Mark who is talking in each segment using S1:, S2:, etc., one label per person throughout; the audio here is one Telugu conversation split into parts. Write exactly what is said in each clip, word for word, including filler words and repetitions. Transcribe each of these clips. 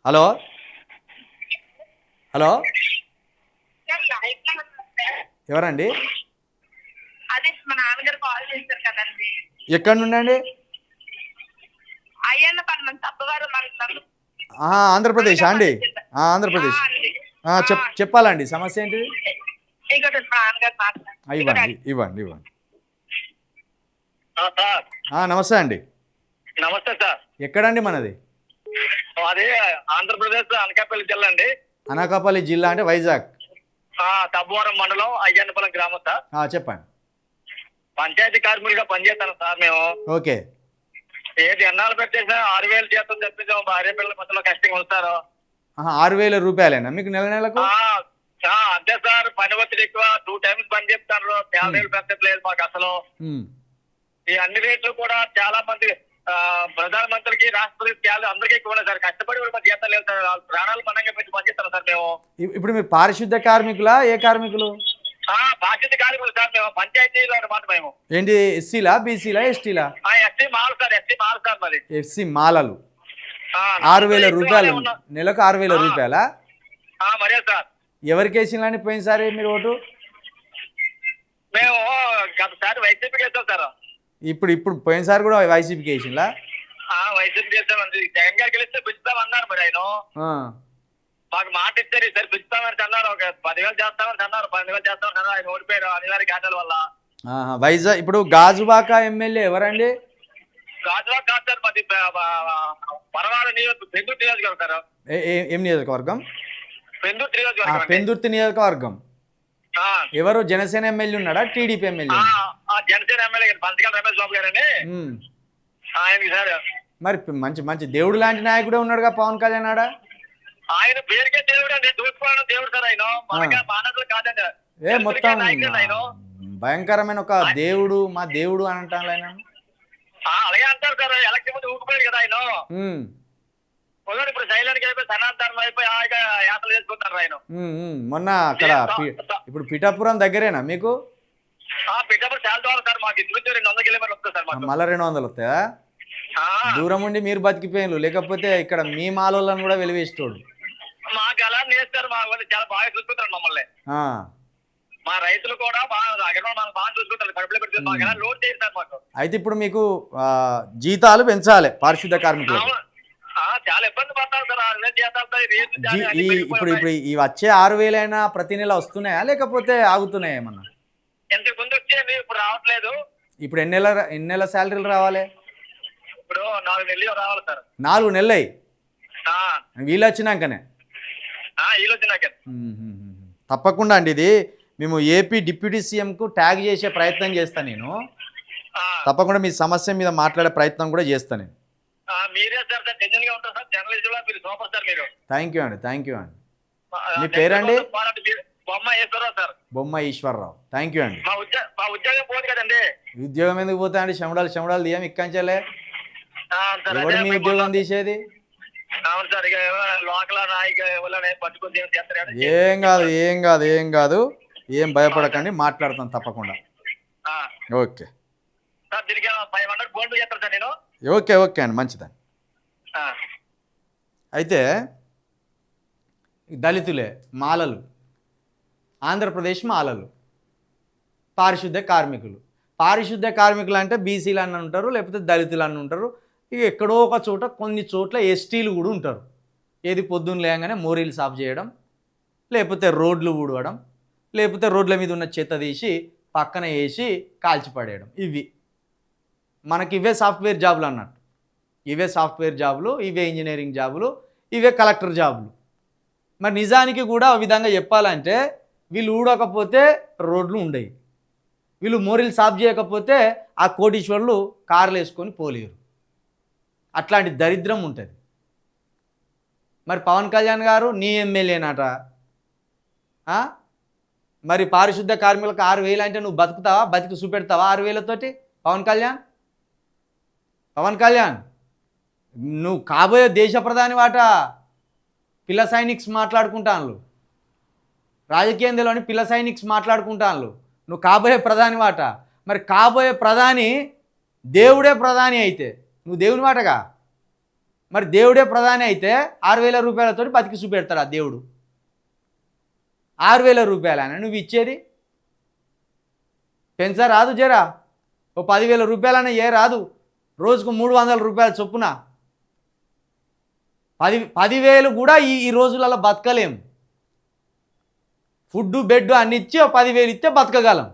S1: హలో హలో ఎవరండి?
S2: అదే మా నాన్నగారు కాల్ చేశారు కదండి.
S1: ఎక్కడి నుండి అండి?
S2: అయ్యన్న పని మన తప్పవారు మన
S1: ఆంధ్రప్రదేశ్ అండి? ఆంధ్రప్రదేశ్. చెప్ చెప్పాలండి సమస్య ఏంటిది?
S2: ఇంకోటి మా నాన్నగారు మాట్లాడారు.
S1: ఇవ్వండి ఇవ్వండి ఇవ్వండి.
S3: సార్
S1: నమస్తే అండి.
S3: నమస్తే సార్.
S1: ఎక్కడండి మనది?
S3: అదే ఆంధ్రప్రదేశ్ అనకాపల్లి జిల్లా అండి.
S1: అనకాపల్లి జిల్లా అంటే వైజాగ్.
S3: తబ్బవరం మండలం అయ్యన్నపల్లి గ్రామం సార్.
S1: చెప్పండి.
S3: పంచాయతీ కార్మికులుగా పనిచేస్తాను సార్ మేము.
S1: ఓకే.
S3: ఏది ఎన్నాళ్ళు పెట్టేసినా ఆరు వేలు జీతం తెప్పించాము. భార్య పిల్లల మధ్యలో కష్టంగా ఉంటారు.
S1: ఆరు వేల రూపాయలేనా మీకు నెల నెలకు?
S3: అంతే సార్. పని ఒత్తిడి ఎక్కువ. టూ టైమ్స్ పని చెప్తారు. శాలరీలు పెంచట్లేదు మాకు అసలు. ఈ అన్ని రేట్లు కూడా చాలా మంది ప్రధానమంత్రికి రాష్ట్రపతి అందరికీ ఎక్కువ ఉన్నాయి సార్. కష్టపడి కూడా మాకు జీతం లేదు సార్. ప్రాణాలు మనంగా పెట్టి పనిచేస్తాం సార్ మేము.
S1: ఇప్పుడు మీరు పారిశుద్ధ కార్మికులా ఏ కార్మికులు?
S3: పారిశుద్ధ కార్మికులు సార్ మేము. పంచాయతీలో అనమాట మేము.
S1: ఏంటి ఎస్సీలా బీసీలా ఎస్టీలా?
S3: ఎస్సీ మాలు సార్. ఎస్సీ మాలు సార్ మరి.
S1: ఎస్సీ మాలలు. ఆరు వేల రూపాయలు నెలకు. ఆరు వేల రూపాయలా?
S3: మరే సార్.
S1: ఎవరికి వేసిందని పోయినసారి మీరు ఓటు?
S3: మేము గతసారి వైసీపీకి వేస్తాం సార్.
S1: ఇప్పుడు ఇప్పుడు పోయినసారి కూడా వైసీపీకి వేసిందా?
S3: వైసీపీకి వేస్తామండి. జగన్ గారికి గెలిస్తే పెంచుతామన్నారు మరి ఆయన. మాకు మాట ఇచ్చారు ఈసారి పెంచుతామని అన్నారు. ఒక పదివేలు చేస్తామని అన్నారు. పదివేలు చేస్తామని అన్నారు. ఆయన ఓడిపోయారు అనివార్య కారణాల వల్ల.
S1: వైజాగ్ ఇప్పుడు గాజువాక ఎమ్మెల్యే ఎవరండి?
S3: గాజువాక కాదు సార్. మాది పరవాడ నియోజక పెందుర్తి నియోజకవర్గం సార్.
S1: ఏం నియోజకవర్గం?
S3: పెందుర్తి నియోజకవర్గం.
S1: పెందుర్తి నియోజకవర్గం. ఎవరు జనసేన ఎమ్మెల్యే ఉన్నాడా TDP MLA?
S3: Janasena MLA Panchakala Ramesh Babu గారు అని ఆయనకి సార్.
S1: మరి మంచి మంచి దేవుడు లాంటి నాయకుడే ఉన్నాడుగా పవన్ కళ్యాణ్ ఆడ.
S3: ఆయన పేరుకే దేవుడు అండి. దూసుకోవడం దేవుడు సార్ ఆయన. మానవులు కాదండి.
S1: ఏ మొత్తం భయంకరమైన ఒక దేవుడు, మా దేవుడు అని అంటాను ఆయన.
S3: అలాగే అంటారు సార్. ఎలక్షన్ ముందు ఊగిపోయాడు కదా ఆయన. ఇప్పుడు సైలెంట్ గా అయిపోయి సనాతనం అయిపోయి హాయిగా యాత్రలు చేసుకుంటారు ఆయన.
S1: మొన్న అక్కడ ఇప్పుడు పిఠాపురం దగ్గరేనా మీకు?
S3: పిఠాపురం చాలా దూరం సార్. మాకు ఇంటి రెండు వందల కిలోమీటర్లు వస్తుంది సార్.
S1: మళ్ళీ రెండు వందలు వస్తాయా? దూరం ఉండి మీరు బతికిపోయిన, లేకపోతే ఇక్కడ మీ మాలోళ్ళని కూడా వెలివేస్తోడు.
S3: మాకు అలా నేస్తారు. మా వాళ్ళు చాలా బాగా చూసుకుంటారు మమ్మల్ని. మా రైతులు కూడా బాగా బాగా చూసుకుంటారు. కడుపులో పెట్టి మాకు ఎలా లోడ్ చేస్తారు మాకు.
S1: అయితే ఇప్పుడు మీకు జీతాలు పెంచాలి పారిశుద్ధ కార్మికులు.
S3: చాలా ఇబ్బంది పడతారు సార్.
S1: ఇప్పుడు ఇప్పుడు ఈ వచ్చే ఆరు వేలైనా ప్రతి నెల వస్తున్నాయా లేకపోతే ఆగుతున్నాయా ఏమన్నా?
S3: ఇంతకు ముందు వచ్చేది ఇప్పుడు రావట్లేదు.
S1: ఇప్పుడు ఎన్ని నెల ఎన్ని నెలల శాలరీలు రావాలి?
S3: ఇప్పుడు నాలుగు నెలలు రావాలి సార్.
S1: నాలుగు నెలలు వీళ్ళు వచ్చినాకనే?
S3: వీళ్ళు వచ్చినాక
S1: తప్పకుండా అండి. ఇది మేము ఏపీ డిప్యూటీ సీఎంకు ట్యాగ్ చేసే ప్రయత్నం చేస్తాను నేను. తప్పకుండా మీ సమస్య మీద మాట్లాడే ప్రయత్నం కూడా చేస్తాను నేను.
S3: మీరే సార్ టెన్షన్ గా ఉంటారు సార్. జర్నలిస్టులు మీరు సూపర్ సార్ మీరు.
S1: థ్యాంక్ యూ అండి. థ్యాంక్ యూ అండి. మీ పేరండి?
S3: బొమ్మ ఈశ్వరరావు సార్.
S1: బొమ్మ ఈశ్వరరావు. థ్యాంక్ యూ అండి.
S3: మా ఉద్యోగం పోదు కదండి.
S1: ఉద్యోగం ఎందుకు పోతా అండి? శమడాలు శమడాలు తీయం ఇక్కంచలే. ఎవడు మీ ఉద్యోగం తీసేది? ఏం కాదు ఏం కాదు ఏం కాదు ఏం భయపడకండి. మాట్లాడతాను తప్పకుండా. ఓకే ఓకే ఓకే అండి. మంచిదండి. అయితే దళితులే మాలలు, ఆంధ్రప్రదేశ్ మాలలు, పారిశుద్ధ కార్మికులు. పారిశుద్ధ కార్మికులు అంటే బీసీలు అని ఉంటారు, లేకపోతే దళితులు అని ఉంటారు. ఇక ఎక్కడో ఒక చోట కొన్ని చోట్ల ఎస్టీలు కూడా ఉంటారు. ఏది పొద్దున్న లేగానే మోరీలు సాఫ్ చేయడం, లేకపోతే రోడ్లు ఊడవడం, లేకపోతే రోడ్ల మీద ఉన్న చెత్త తీసి పక్కన వేసి కాల్చిపడేయడం. ఇవి మనకి ఇవే సాఫ్ట్వేర్ జాబులు అన్నట్టు. ఇవే సాఫ్ట్వేర్ జాబులు, ఇవే ఇంజనీరింగ్ జాబులు, ఇవే కలెక్టర్ జాబులు. మరి నిజానికి కూడా ఆ విధంగా చెప్పాలంటే వీళ్ళు ఊడకపోతే రోడ్లు ఉండవు, వీళ్ళు మోరీలు సాఫ్ చేయకపోతే ఆ కోటీశ్వర్లు కార్లు వేసుకొని పోలేరు. అట్లాంటి దరిద్రం ఉంటుంది. మరి పవన్ కళ్యాణ్ గారు నీ ఎమ్మెల్యేనట. మరి పారిశుద్ధ కార్మికులకు ఆరు వేలు అంటే నువ్వు బతుకుతావా? బతికి చూపెడతావా ఆరు వేలతోటి? పవన్ కళ్యాణ్ పవన్ కళ్యాణ్ నువ్వు కాబోయే దేశ ప్రధాని వాట. పిల్ల సైనిక్స్ మాట్లాడుకుంటాను, రాజకీయంలోని పిల్ల సైనిక్స్ మాట్లాడుకుంటాను. నువ్వు కాబోయే ప్రధాని వాట. మరి కాబోయే ప్రధాని దేవుడే ప్రధాని అయితే నువ్వు దేవుని వాటగా. మరి దేవుడే ప్రధాని అయితే ఆరు వేల రూపాయలతో బతికి చూపెడతాడు ఆ దేవుడు. ఆరు వేల రూపాయలైనా నువ్వు ఇచ్చేది పెంచా రాదు, జరా ఓ పదివేల రూపాయలైనా ఏ రాదు, రోజుకు మూడు వందల రూపాయల చొప్పున. పది పదివేలు కూడా ఈ ఈ రోజులలో బతకలేం. ఫుడ్ బెడ్ అన్ని ఇచ్చి ఓ పదివేలు ఇస్తే బతకగలం.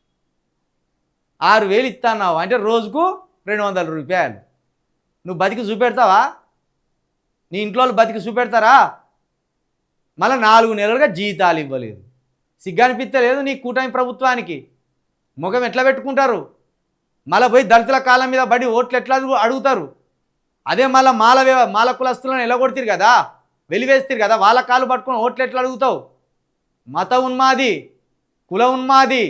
S1: ఆరు వేలు ఇస్తున్నావు అంటే రోజుకు రెండు వందల రూపాయలు. నువ్వు బతికి చూపెడతావా? నీ ఇంట్లో వాళ్ళు బతికి చూపెడతారా? మళ్ళీ నాలుగు నెలలుగా జీతాలు ఇవ్వలేదు. సిగ్గనిపిస్తలేదు నీ కూటమి ప్రభుత్వానికి? ముఖం ఎట్లా పెట్టుకుంటారు? మళ్ళీ పోయి దళితుల కాలం మీద బడి ఓట్లు ఎట్లా అడుగుతారు? అదే మళ్ళీ మాల మాల కులస్తులను ఎలగొడతారు కదా, వెలివేస్తారు కదా, వాళ్ళ కాలు పట్టుకొని ఓట్లు ఎట్లా అడుగుతావు? మత ఉన్మాది, కుల ఉన్మాది.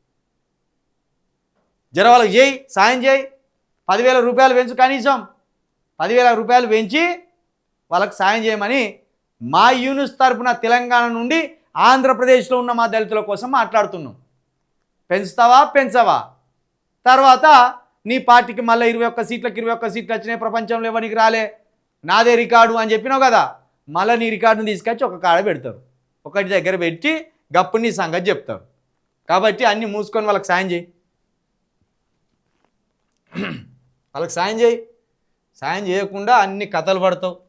S1: జర వాళ్ళకి చేయి, సాయం చేయి. పదివేల రూపాయలు పెంచు, కనీసం పదివేల రూపాయలు పెంచి వాళ్ళకి సాయం చేయమని మా యూనిస్ తరపున తెలంగాణ నుండి ఆంధ్రప్రదేశ్లో ఉన్న మా దళితుల కోసం మాట్లాడుతున్నాం. పెంచుతావా పెంచవా? తర్వాత నీ పార్టీకి మళ్ళీ ఇరవై ఒక్క సీట్లకు ఇరవై ఒక్క సీట్లు వచ్చినాయి, ప్రపంచంలో ఎవరికి రాలే, నాదే రికార్డు అని చెప్పినావు కదా, మళ్ళీ నీ రికార్డుని తీసుకొచ్చి ఒక కాడ పెడతారు, ఒకటి దగ్గర పెట్టి గప్పుడు నీ సంగతి చెప్తారు. కాబట్టి అన్నీ మూసుకొని వాళ్ళకి సాయం చేయి, వాళ్ళకి సాయం చేయి. సాయం చేయకుండా అన్ని కథలు పడతావు.